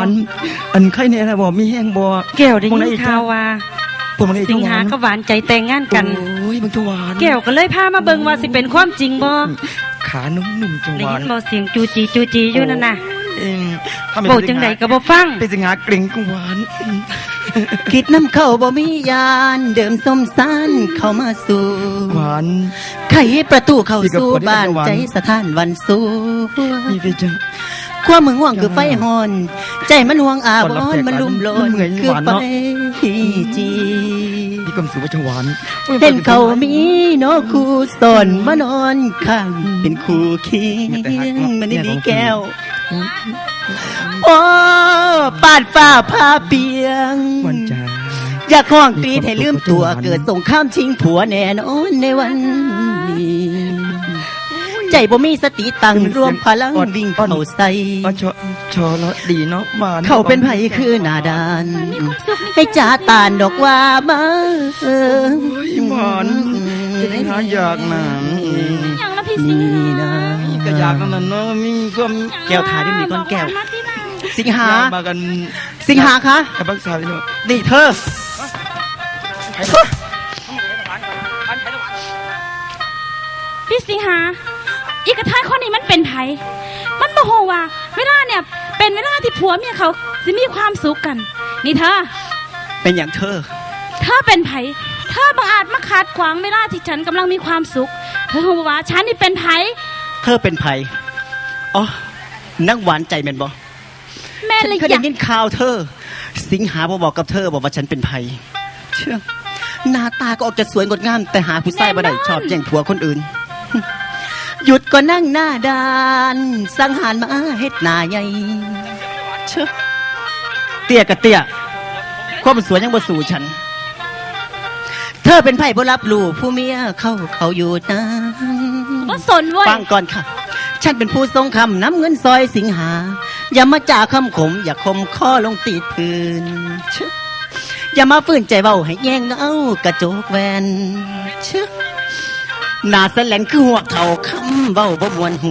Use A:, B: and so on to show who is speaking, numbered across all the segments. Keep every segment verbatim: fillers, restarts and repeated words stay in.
A: านอันใครเนี่ยนะบอกมีแห้งบ่
B: แก้วได้ยินข่าวว่าสิงหากับหวานใจแต่งงานกัน
A: โอ้ยมึงจะหวาน
B: แก้วก็เลยพามาเบิ่งว่าสิเป็นความจริงบ่
A: ขานุ่มๆจังหวาน
B: ได้ยินบ่เสียงจูจีจูจีอยู่นั่นน่ะ
A: เอง
B: โบจังใดก็บ่ฟัง
A: เป็นสิงหาเกรงกังหวาน
C: คิดน้ำเข้าบ่มียานเดิมส้มซานเข้ามาสู่
A: หวาน
C: ไขประตูเข้าสู่บ้านใจสถานวันสู่
A: นี่เป็นจัง
C: ความมึงห่วงคือไฟหอนใจมันห่วงอาบอนมันลุ่มโลนคือไฟจี
A: นี่กำสือว่าจะหวาน
C: เห็นเขามีโนคู่สอนมานอนข้างเป็นคู่เคียงมันนี่ดีแก้วโอ้ปาดฟ้าพาเปียง
A: วันจ้า
C: อยากห้องตีให้ลืมตัวเกิดสงครามชิงผัวแน่นอนในวันนี้ใจบ่มีสติตั้งรวมพลังวิ่งเข้าใส่
A: ชอชอแล้วดีเนาะมา
C: เขาเป็นไผคือหน้าด้านให้จ่าตานดอกว่ามาเออ
A: หวานจะได้หาอยากนะ
B: อย่างละพี่สิงหา
A: ก็อยากนั่นเนาะมีความ
C: แก้วทาที่มีก้อนแก้วสิงหา
A: มากัน
C: สิงหาคะ
A: กับบักษาพี่น้อง
C: นี่เธอ
B: พี่สิงหาอีกระทายคนนี้มันเป็นไผมันโมโหว่าเวลาเนี่ยเป็นเวลาที่ผัวเมียเขาจะมีความสุขกันนี่เธอ
C: เป็นอย่างเธอ
B: เธอเป็นไผเธอบังอาจมาขัดขวางเวลาที่ฉันกำลังมีความสุขเธอบอกว่าฉันนี่เป็นไผ
C: เธอเป็นไผอ๋อนั่งหวานใจแม่นบ่
B: แม่เลย
C: อยากได้ยินข่าวเธอสิงหาบ่บอกกับเธอบอกว่าฉันเป็นไผเชื่อหน้าตาก็ออกจะสวยงดงามแต่หาผู้ชายบ่ได้ชอบแย่งผัวคนอื่นหยุดก็นั่งหน้าด้านสังหารมาเฮ็ดหน้าใหญ่เชื่อเตี้ยกับเตี้ยความสวยยังบ่สู่ฉันเธอเป็นไผ่บ่รับรู้ผู้เมียเข้าเขาอยู่นะ
B: บ่สนเว้ย
C: ฟังก่อนค่ะฉันเป็นผู้ทรงคำน้ำเงินซอยสิงหาอย่ามาจ่าคำขมอย่าคมข้อลงตีพื้นอย่ามาฝืนใจเบาให้แย่งเอากระโจกแวนเชื่อหน้าแสลนคือหัวเข่าคำเบาบ่มวนหู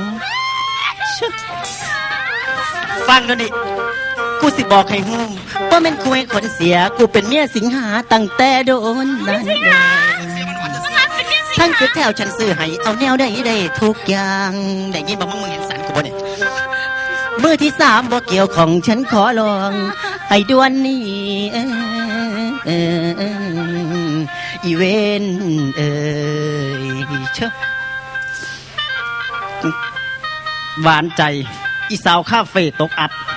C: ฟังดูดิกูสิบอกให้หูว่าแม่นคุยคนเสียกูเป็นเมียสิงหาตั้งแต่โดนนั่นแหละทั้งคือแถวฉันซื้อให้เอาแนวได้ได้ทุกอย่างได้ยินบอกมึงมึงเห็นสันกูบ่เนี่ยมือที่สามบ่เกี่ยวของฉันขอลองให้ด่วนนี่เออเออเอออีเวนเอ้ยเชอะหวานใจอีสาวคาเฟ่ตกอับ